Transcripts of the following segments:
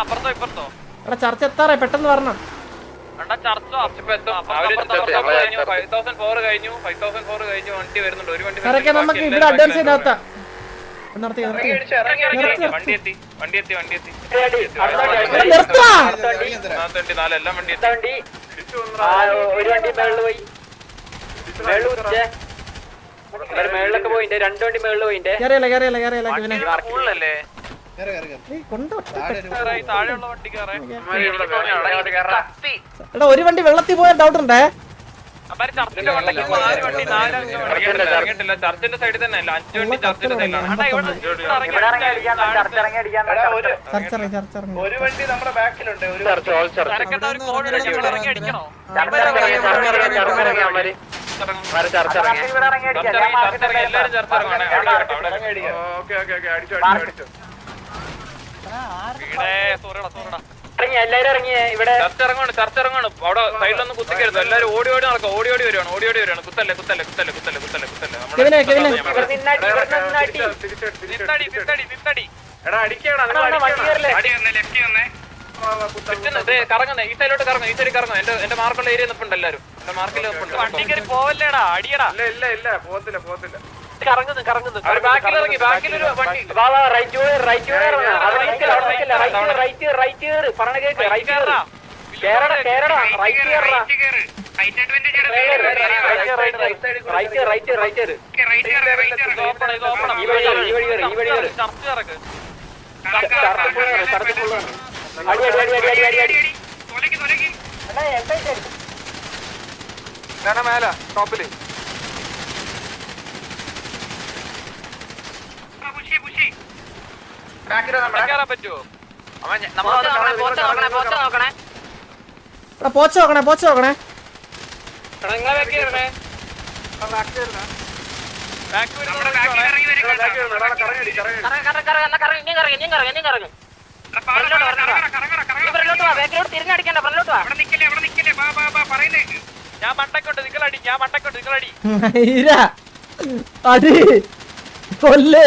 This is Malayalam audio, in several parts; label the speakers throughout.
Speaker 1: എടാ ചർച്ച എത്താറേ പെട്ടെന്ന് വരണം. സാറൊക്കെ നമുക്ക് ഇവിടെ അഡ്വാൻസ് ചെയ്താ നിർത്തി
Speaker 2: മേളിലൊക്കെ പോയിന്റെ 2 വണ്ടി മേളിൽ പോയിന്റെ
Speaker 1: എടാ ഒരു വണ്ടി വെള്ളത്തിൽ പോയാൽ ഡൗട്ട് ഉണ്ടേ.
Speaker 3: ചർച്ചിന്റെ സൈഡിൽ തന്നെ 5 വണ്ടി ചർച്ചിന്റെ സൈഡിലാണ്.
Speaker 4: ഒരു വണ്ടി നമ്മുടെ ബാക്കിലുണ്ട്.
Speaker 3: ചർച്ചിറങ്ങാണ് അവിടെ സൈഡിലൊന്നും കുത്തിക്കരുത്. എല്ലാരും ഓടി നടക്കും. ഓടി വരുവാണ്. കുത്തല്ലേ. കറങ്ങുന്നേ ഈ സൈഡിലോട്ട് കറങ്ങും. എന്റെ മാർക്കുള്ള ഏരിയ നിൽപ്പുണ്ട്. എല്ലാരും എന്റെ മാർക്കിൽ വണ്ടി കയറി പോവല്ലേടാ. അടിയടാ.
Speaker 4: ഇല്ല പോകത്തില്ല.
Speaker 3: ബാക്കിലിറങ്ങി. ബാക്കിലൊരു വണ്ടി
Speaker 4: മേല ടോപ്പില്
Speaker 3: പറ്റുമോ?
Speaker 1: പോച്ച നോക്കണേ.
Speaker 3: ഞാൻ മണ്ടക്കോട്ട് നിങ്ങളടി.
Speaker 1: അടി കൊല്ലേ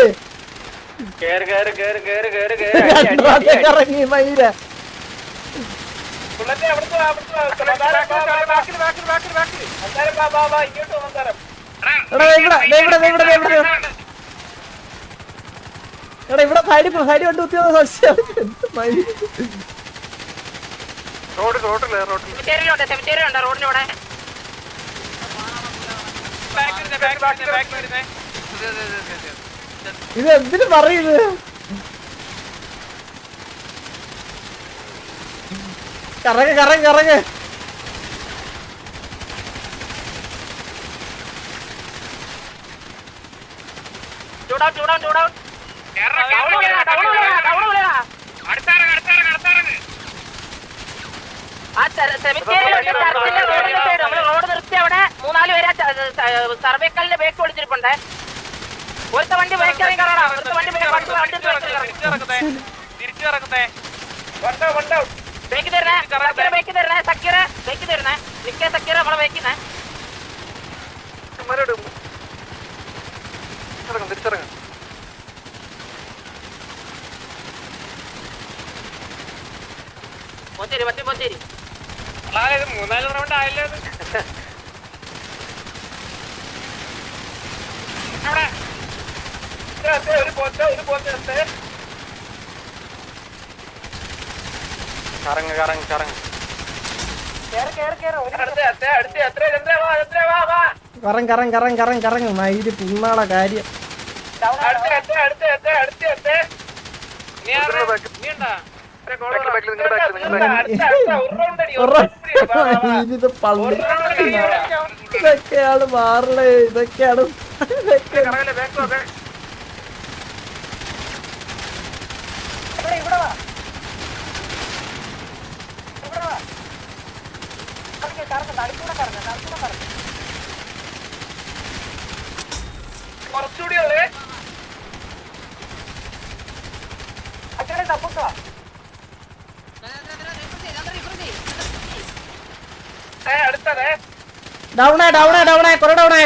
Speaker 1: ഇറങ്ങി മൈര. ഇവിടെ സൈഡ് കൊണ്ട് കുത്തിയത് സംശയം. ഇത് എന്തിനു പറയുന്നത്? കറങ്ങ്
Speaker 2: റോഡ് നിർത്തി അവിടെ 3-4 പേര് സർവേക്കലിന്റെ ബേക്ക് വിളിച്ചിരിപ്പുണ്ടേ. ഒരുത്ത വണ്ടി ബേക്കിറങ്ങി കയറണം. ബേക്ക് തരണേ സക്കീറ ബേക്ക് തരണേ. നിക്കേ സക്കീറ നമ്മളെ ബേക്കിന്നേ.
Speaker 4: തിരിച്ചിറങ്ങും.
Speaker 2: പോച്ചേരി
Speaker 3: 3-4 റൗണ്ട് ആയല്ലോ.
Speaker 1: കറങ്ങ് മയില് പുണ്ണാളെ കാര്യം. ഇതൊക്കെയാണ് മാറണേ. ഇതൊക്കെയാണ്
Speaker 4: കുറച്ചുകൂടി ഉള്ളേ. അച്ഛനെ തപ്പുക. അടുത്തതേ
Speaker 1: ഡൗണേ കൊറേ ഡൗണേ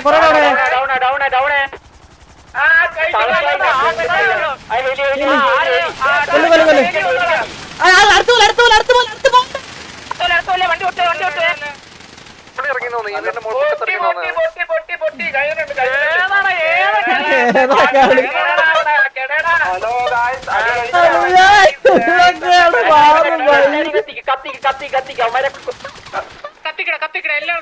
Speaker 4: ഹലോ ഗായ്സ്
Speaker 3: കത്തിക്കട എല്ലാവരും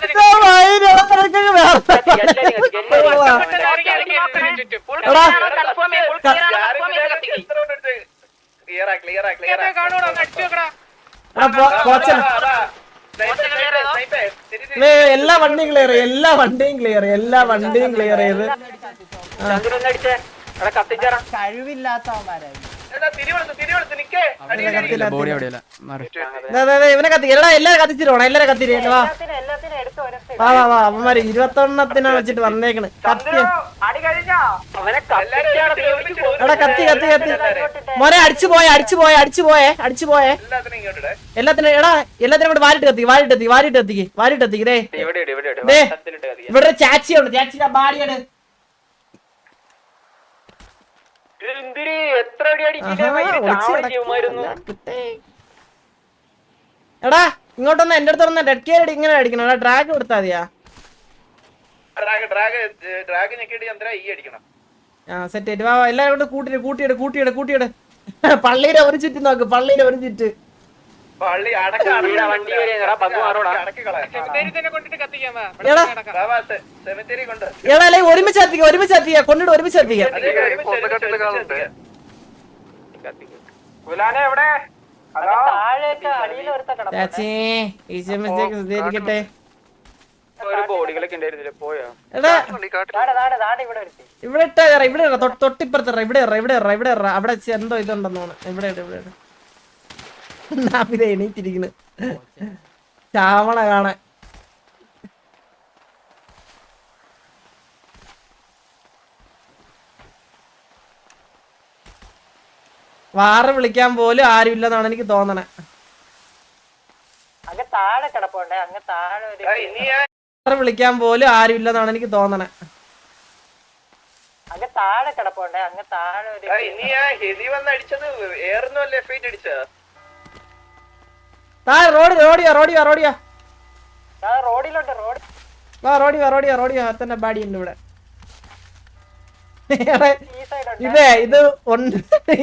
Speaker 1: എല്ലാ വണ്ടിയും ക്ലിയർ എല്ലാ വണ്ടിയും ക്ലിയർ ചെയ്ത്
Speaker 2: കഴിവില്ലാത്തവന്മാരായി
Speaker 1: ഇവനെ കത്തി എല്ലാരും കത്തിച്ചിട്ട് എല്ലാരും കത്തിരി വാ വാ അവന്മാര് 21 വെച്ചിട്ട് വന്നേക്കണ് കത്തി എടാ കത്തി മോനെ അടിച്ചു പോയെ എല്ലാത്തിനും എടാ എല്ലാത്തിനും കൂടെ വാരിട്ട് കത്തിക്ക് ദേ ഇവിടെ ചാച്ചിയുണ്ട് ചാച്ചിയുടെ ബാഡിയാണ് എടാ ഇങ്ങോട്ടൊന്ന് എന്റെ അടുത്ത് വന്ന ഡെഡ് കെയർ ഇങ്ങനെ അടിക്കണം എടാ ഡ്രാഗ് കൊടുത്താ മതിയാ സെറ്റ് ആയിട്ട് വാ എല്ലാരും കൊണ്ട് കൂട്ടിയിട് പള്ളിയുടെ ഒരു ചുറ്റി നോക്ക് എടാ ഒരുമിച്ച് എത്തിക്ക കൊണ്ടിട്ട് ഒരുമിച്ച് എത്തിക്കാം ചാച്ചി ശ്രദ്ധിക്കട്ടെ ഇവിടെ ഇവിടെ തൊട്ടിപ്പുറത്ത് ഇവിടെ അവിടെ എന്തോ ഇതുണ്ടെന്നാണ് ഇവിടെ എണീറ്റിരിക്കുന്നു ചാവണ കാണാൻ വാറ് വിളിക്കാൻ പോലും ആരുമില്ലെന്നാണ് എനിക്ക് തോന്നണേ
Speaker 2: താഴെ കിടപ്പുണ്ടേ അങ്ങ് താഴെ
Speaker 1: വിളിക്കാൻ പോലും ആരുമില്ലെന്നാണ് എനിക്ക് തോന്നണേ
Speaker 2: അങ്ങ് താഴെ കിടപ്പുണ്ടേ അങ്ങ് താഴെ
Speaker 1: റോഡിയാ
Speaker 2: റോഡിലോട്ട്
Speaker 1: റോഡിയാ തന്നെ ബാഡി ഉണ്ട് ഇവിടെ ഇത് ഉണ്ട്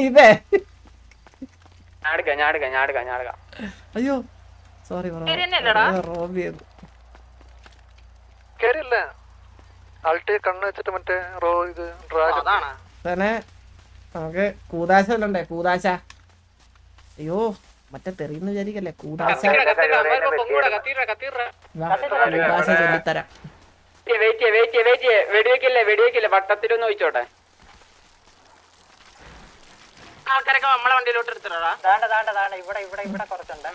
Speaker 1: അയ്യോ സോറി റോബി തന്നെ നമുക്ക് കൂതാശ അല്ലണ്ടേ കൂതാശ അയ്യോ മറ്റേ തെറിയെന്ന് വിചാരിക്കല്ലേ കൂതാശ ചൊല്ലിത്തരാം
Speaker 3: വെടിവെക്കില്ലേ വട്ടത്തിലൊന്ന് ചോദിച്ചോട്ടെ ആൾക്കാരൊക്കെ നമ്മളെ വണ്ടിയിലോട്ട് എടുത്തിട്ടാ
Speaker 2: ഇവിടെ കുറച്ചുണ്ട്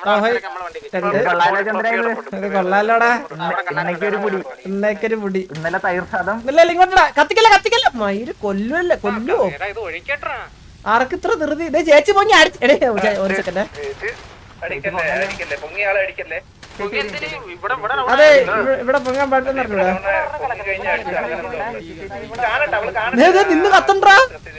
Speaker 1: കൊള്ളാലോടാ ഇന്നേക്കൊരു പൊടി ഇല്ല ഇങ്ങോട്ടാ കത്തിക്കല്ല മയില് കൊല്ലുവോ ആർക്ക് ഇത്ര ധൃതി ഇതേ ചേച്ചി പൊങ്ങി അടിച്ചേ ഒരു സെക്കൻഡ് അതെ ഇവിടെ പൊങ്ങാൻ പാടില്ലെന്ന് നിന്ന് കത്തണ്ടാ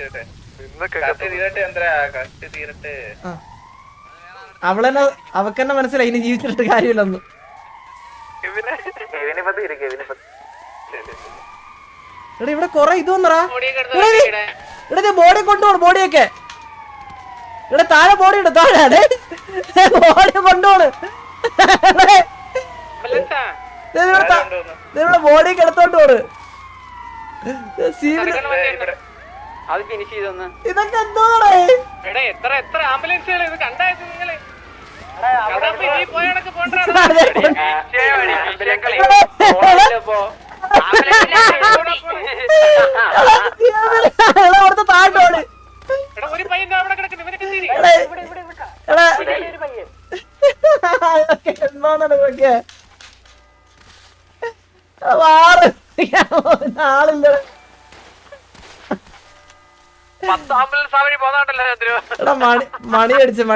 Speaker 1: അവളെന്നെ അവക്കെന്നെ മനസ്സിലായി ഇനി ജീവിച്ചിട്ട് കാര്യമില്ലെന്ന് എടാ ഇവിടെ കൊറേ ഇത് വന്നറാ ഇവിടെ ബോഡി കൊണ്ടുപോണു ബോഡിയൊക്കെ ഇവിടെ താഴെ ബോഡി ഉണ്ട് താഴെ ബോഡി കൊണ്ടുപോണ് ബോഡിയൊക്കെ എടുത്തോണ്ട് പോണ്
Speaker 3: അത് ഫിനിഷ് ചെയ്തൊന്ന്
Speaker 1: ഇതൊക്കെ എന്തോടെ
Speaker 3: എത്ര ആംബുലൻസുകൾ ഇത് കണ്ടായത് നിങ്ങള്
Speaker 1: അവിടുത്തെ താഴോട്
Speaker 3: ഒരു പയ്യൻ അവിടെ കിടക്കുന്നു
Speaker 1: ഇവനൊക്കെ വാറ് ആളില്ല മണിയടിച്ച്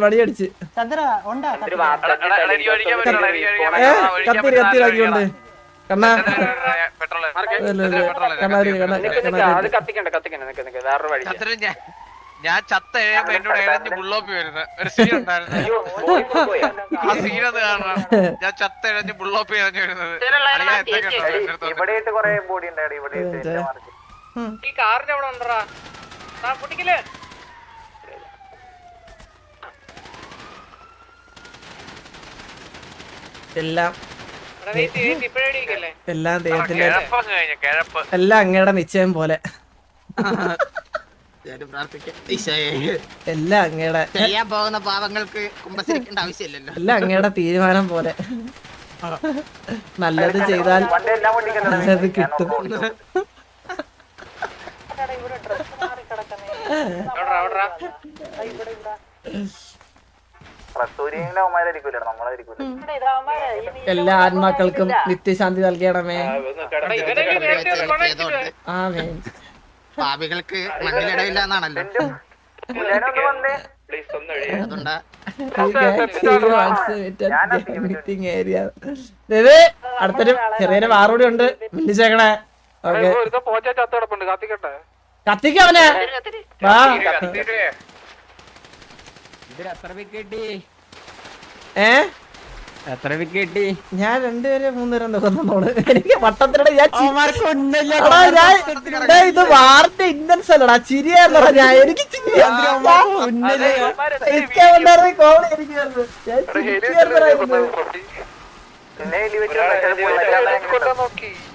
Speaker 1: കത്തിരാക്കിക്കൊണ്ട് കണ്ണാ
Speaker 5: ഞാൻ ചത്ത എഴുമ്പോ എന്നോട് എഴഞ്ഞ് ബുള്ളോപ്പി വരുന്നത് ഒരു സീൻ ഉണ്ടായിരുന്നു. ആ സീനത് കാണണം. ഞാൻ ചത്ത എഴഞ്ഞ് ബുള്ളോപ്പി എഴഞ്ഞു വരുന്നത്.
Speaker 3: ഈ കാറിന്റെ അവിടെ ഉണ്ടറാ പൊട്ടിക്കല്
Speaker 1: എല്ലാം
Speaker 3: ഇപ്പഴേ
Speaker 1: എല്ലാം ദൈവത്തിന്റെ
Speaker 5: കിഴപ്പ്
Speaker 1: എല്ലാം അങ്ങയുടെ നിശ്ചയം പോലെ എല്ലാം അങ്ങയുടെ
Speaker 6: ചെയ്യാൻ പോകുന്ന പാവങ്ങൾക്ക് കുമ്പസരിക്കേണ്ട ആവശ്യമില്ലല്ലോ.
Speaker 1: എല്ലാം അങ്ങയുടെ തീരുമാനം പോലെ നല്ലത് ചെയ്താൽ നല്ലത് കിട്ടും. എല്ലാ ആത്മാക്കൾക്കും നിത്യശാന്തി നൽകണമേ. ആമേൻ.
Speaker 6: പാപികൾക്ക് മണ്ണിലിടയില്ല എന്നാണല്ലോ. അതുകൊണ്ടാ
Speaker 1: അടുത്തൊരു ചെറിയൊരു വാറൂടി ഉണ്ട്, വിളിച്ചേക്കണേ. ഓക്കെ, കത്തിക്കവനെ.
Speaker 7: എത്ര വിക്കറ്റ്?
Speaker 1: ഞാൻ 2 പേരെ 3 പേരെ കൊന്നോളൂ. എനിക്ക് വട്ടത്തിലൂടെ ഇത് വാർത്ത ഇന്നൻസ് അല്ലടാ, ചിരിയാന്നടാ. ഞാൻ എനിക്ക് കോമഡി എനിക്ക്